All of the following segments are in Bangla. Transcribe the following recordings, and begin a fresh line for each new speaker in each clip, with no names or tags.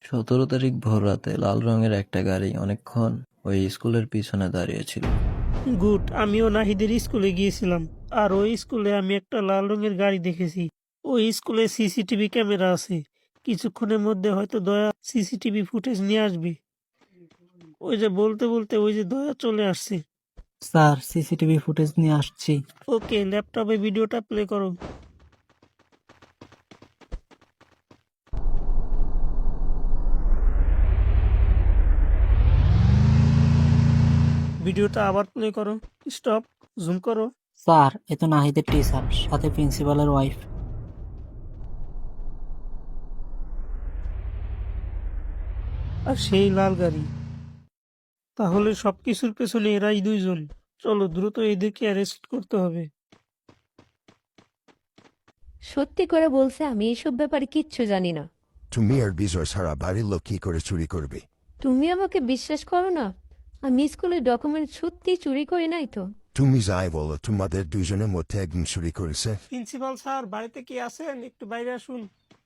17 তারিখ ভোররাতে লাল রঙের একটা গাড়ি অনেকক্ষণ ওই স্কুলের পিছনে দাঁড়িয়েছিল।
গুড, আমিও নাহিদের স্কুলে গিয়েছিলাম, আর ওই স্কুলে আমি একটা লাল রঙের গাড়ি দেখেছি। ওই স্কুলে সিসিটিভি ক্যামেরা আছে। কিছুক্ষণের মধ্যে হয়তো দয়া সিসিটিভি ফুটেজ নিয়ে আসবে। ওই যে বলতে বলতে ওই যে দয়া চলে আসছে।
স্যার, সিসিটিভি ফুটেজ নিয়ে আসছি।
ওকে, ল্যাপটপে ভিডিওটা প্লে করো। ভিডিওটা আবার প্লে করো। স্টপ, জুম করো।
স্যার, এ তো নাহিদের টিচার, সাথে প্রিন্সিপালের ওয়াইফ।
আর সেই লাল গাড়ি। তাহলে সবকিছুর পেছনে এরাই দুইজন। চলো দ্রুত এদেরকে অ্যারেস্ট করতে হবে।
সত্যি করে বলছে আমি এইসব ব্যাপারে কিচ্ছু জানি না।
তুমি আর বিজয় সারা বাড়ির লোক কি করে চুরি করবে?
তুমি আমাকে বিশ্বাস করো না? আমি স্কুলের ডকুমেন্ট সত্যি চুরি করি নাই তো।
তুমি যাই বলো, তোমাদের দুজনের মধ্যে একজন চুরি করেছে।
প্রিন্সিপাল স্যার, বাড়িতে কি আছেন? একটু বাইরে আসুন।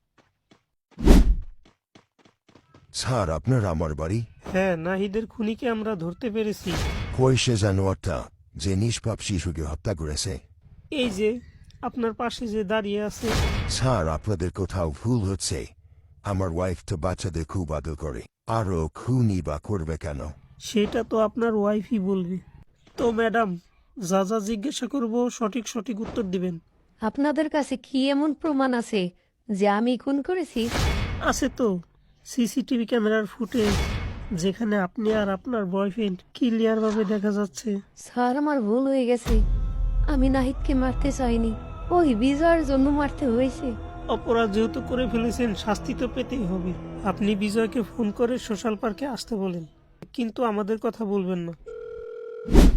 স্যার, আপনার আমার বাড়ি?
হ্যাঁ, নাহিদের খুনিকে আমরা ধরতে পেরেছি।
কই সে জানোয়ারটা যে নিষ্পাপ শিশুকে হত্যা করেছে?
এই যে আপনার পাশে যে দাঁড়িয়ে আছে।
স্যার, আপনাদের কোথাও ভুল হচ্ছে। আমার ওয়াইফ তো বাচ্চাদের খুব আদর করে, আরও খুনি বা করবে কেন?
সেটা তো আপনার ওয়াইফই বলবে। তো ম্যাডাম, যা যা জিজ্ঞাসা করবো সঠিক সঠিক উত্তর দিবেন।
আপনাদের কাছে কি এমন প্রমাণ আছে যে আমি খুন করেছি?
আছে তো, সিসিটিভি ক্যামেরার ফুটেজ, যেখানে আপনি আর আপনার বয়ফ্রেন্ড ক্লিয়ার ভাবে দেখা যাচ্ছে।
স্যার, আমার ভুল হয়ে গেছে। আমি নাহিদকে মারতে চাইনি, ওই বিজয়ের জন্য মারতে হয়েছে।
অপরাধ যেহেতু করে ফেলেছেন, শাস্তি তো পেতেই হবে। আপনি বিজয়কে ফোন করে সোশ্যাল পার্কে আসতে বলেন, কিন্তু আমাদের কথা বলবেন না।